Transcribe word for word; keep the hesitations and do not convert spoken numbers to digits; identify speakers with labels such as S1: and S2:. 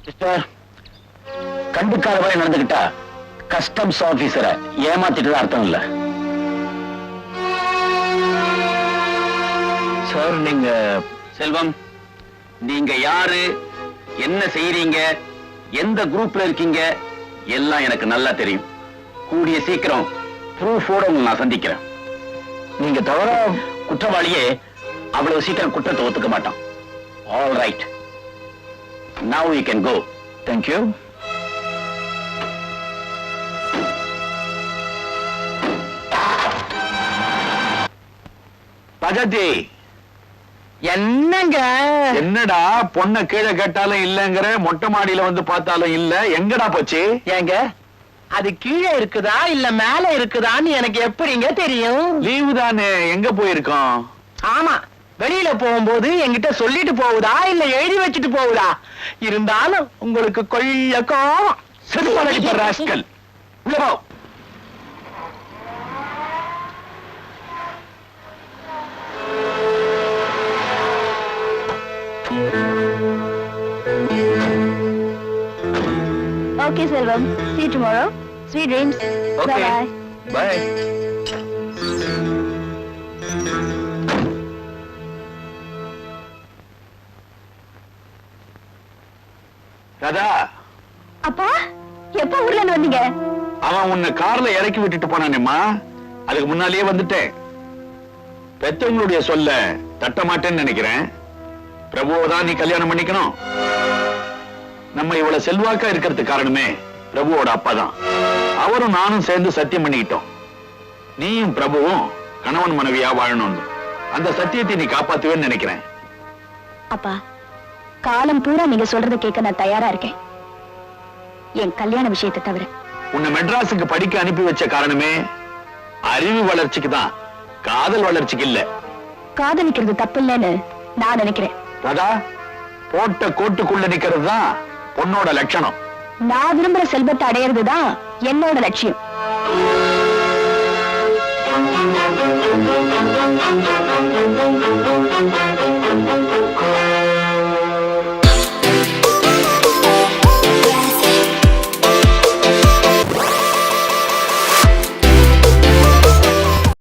S1: Sister, கண்டுக்காத மாதிரி நடந்துகிட்டா customs ஆபீசரை ஏமாத்திட்டு அர்த்தம் இல்ல. சார், நீங்க செல்வம், நீங்க யாரு, என்ன செய்யறீங்க, எந்த குரூப்ல இருக்கீங்க எல்லாம் எனக்கு நல்லா தெரியும். கூடிய சீக்கிரம் ப்ரூஃபோட உங்களை நான் சந்திக்கிறேன். நீங்க தவிர குற்றவாளியே அவ்வளவு சீக்கிரம் குற்றத்தை ஒத்துக்க மாட்டான். All right, now you can go. Thank you. பஜதி,
S2: என்னங்க
S1: என்னடா பொண்ண கீழே கேட்டாலும் இல்லங்கிற, மொட்டை மாடியில வந்து பார்த்தாலும் இல்ல, எங்கடா போச்சு?
S2: ஏங்க, அது கீழே இருக்குதா இல்ல மேல இருக்குதான்னு எனக்கு எப்படிங்க தெரியும்?
S1: லீவு தானே, எங்க போயிருக்கோம்?
S2: ஆமா, வெளியில போகும்போது என்கிட்ட சொல்லிட்டு போகுதா இல்ல எழுதி வச்சுட்டு போகுதா? இருந்தாலும் உங்களுக்கு கொள்ள கோவம்.
S1: செருப்பாலடி பண்ற ராஸ்கல். உள்ள போ.
S3: Okay, Selvam. See you tomorrow. Sweet dreams.
S1: Okay.
S3: Bye-bye.
S1: Bye. Radha,
S3: அப்பா, எப்ப ஊர்ல இருந்து வந்தீங்க?
S1: அவன் உன்னை கார்ல இறக்கி விட்டுட்டு போனானேம்மா, அதுக்கு முன்னாலேயே வந்துட்டேன். பெத்தவங்களுடைய சொல்ல தட்ட மாட்டேன்னு நினைக்கிறேன். பிரபுவதான் நீ கல்யாணம் பண்ணிக்கணும். நம்ம இவ்வளவு செல்வாக்கா இருக்கிறதுக்கு காரணமே பிரபுவோட அப்பா தான். அவரும் நானும் சேர்ந்து சத்தியம் பண்ணிக்கிட்டோம், நீயும் பிரபுவும் கணவன் மனைவியா வாழணும்னு. அந்த சத்தியத்தை நீ காப்பாத்துவேன்னு நினைக்கிறேன்.
S3: அப்பா, காலம் பூரா நீங்க சொல்றத கேட்க நான் தயாரா இருக்கேன், என் கல்யாண விஷயத்தை தவிர.
S1: உன்னை மெட்ராஸுக்கு படிக்க அனுப்பி வச்ச காரணமே அறிவு வளர்ச்சிக்கு தான், காதல் வளர்ச்சிக்கு இல்ல.
S3: காதலிக்கிறது தப்பு இல்லைன்னு நான் நினைக்கிறேன்.
S1: ராதா, போட்ட கோட்டுக்குள்ள நிக்கிறது தான் பொண்ணோட லட்சணம்.
S3: நான் விரும்புற செல்வத்தை அடையிறதுதான் என்னோட லட்சியம்.